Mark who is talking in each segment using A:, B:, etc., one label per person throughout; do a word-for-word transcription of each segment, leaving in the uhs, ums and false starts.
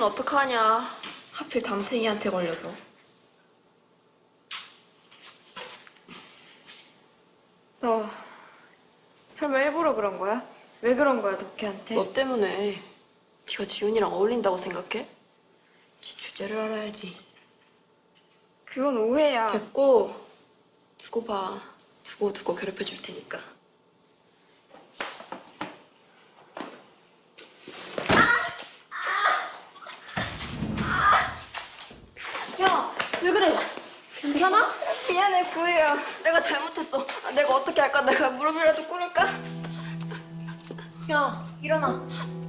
A: 우리는 어떡하냐. 하필 담탱이한테 걸려서.
B: 너 설마 일부러 그런 거야? 왜 그런 거야, 덕혜한테?
A: 너 때문에. 네가 지훈이랑 어울린다고 생각해? 지 주제를 알아야지.
B: 그건 오해야.
A: 됐고, 두고 봐. 두고 두고 괴롭혀 줄 테니까. 야, 왜 그래? 괜찮아?
B: 미안해, 구혜야.
A: 내가 잘못했어. 아, 내가 어떻게 할까? 내가 무릎이라도 꿇을까? 야, 일어나.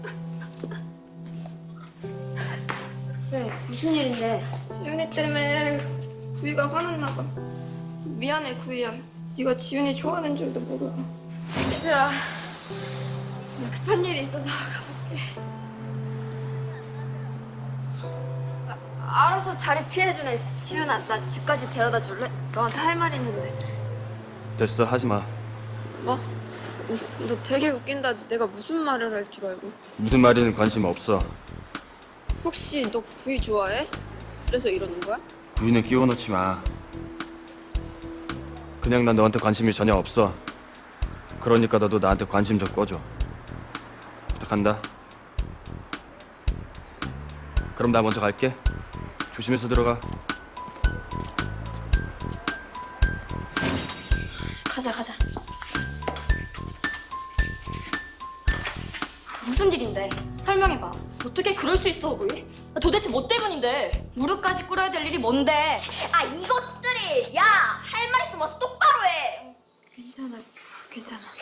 C: 왜? 무슨 일인데?
B: 지훈이 때문에 구희가 화났나 봐. 미안해, 구희야. 네가 지훈이 좋아하는 줄도 모르고. 얘들아, 나 급한 일이 있어서 가볼게.
A: 아, 알아서 자리 피해주네. 지훈아, 나 집까지 데려다 줄래? 너한테 할 말 있는데.
D: 됐어, 하지 마.
A: 뭐? 너 되게 웃긴다. 내가 무슨 말을 할 줄 알고.
D: 무슨 말이든 관심 없어.
A: 혹시 너 구이 좋아해? 그래서 이러는 거야?
D: 구이는 끼워 넣지 마. 그냥 난 너한테 관심이 전혀 없어. 그러니까 너도 나한테 관심 좀 꺼줘. 부탁한다. 그럼 나 먼저 갈게. 조심해서 들어가.
C: 가자, 가자. 무슨 일인데? 설명해봐. 어떻게 그럴 수 있어, 우리? 도대체 뭐 때문인데?
E: 무릎까지 꿇어야 될 일이 뭔데? 아 이것들이! 야! 할 말 있으면 어서 똑바로 해!
B: 괜찮아, 괜찮아.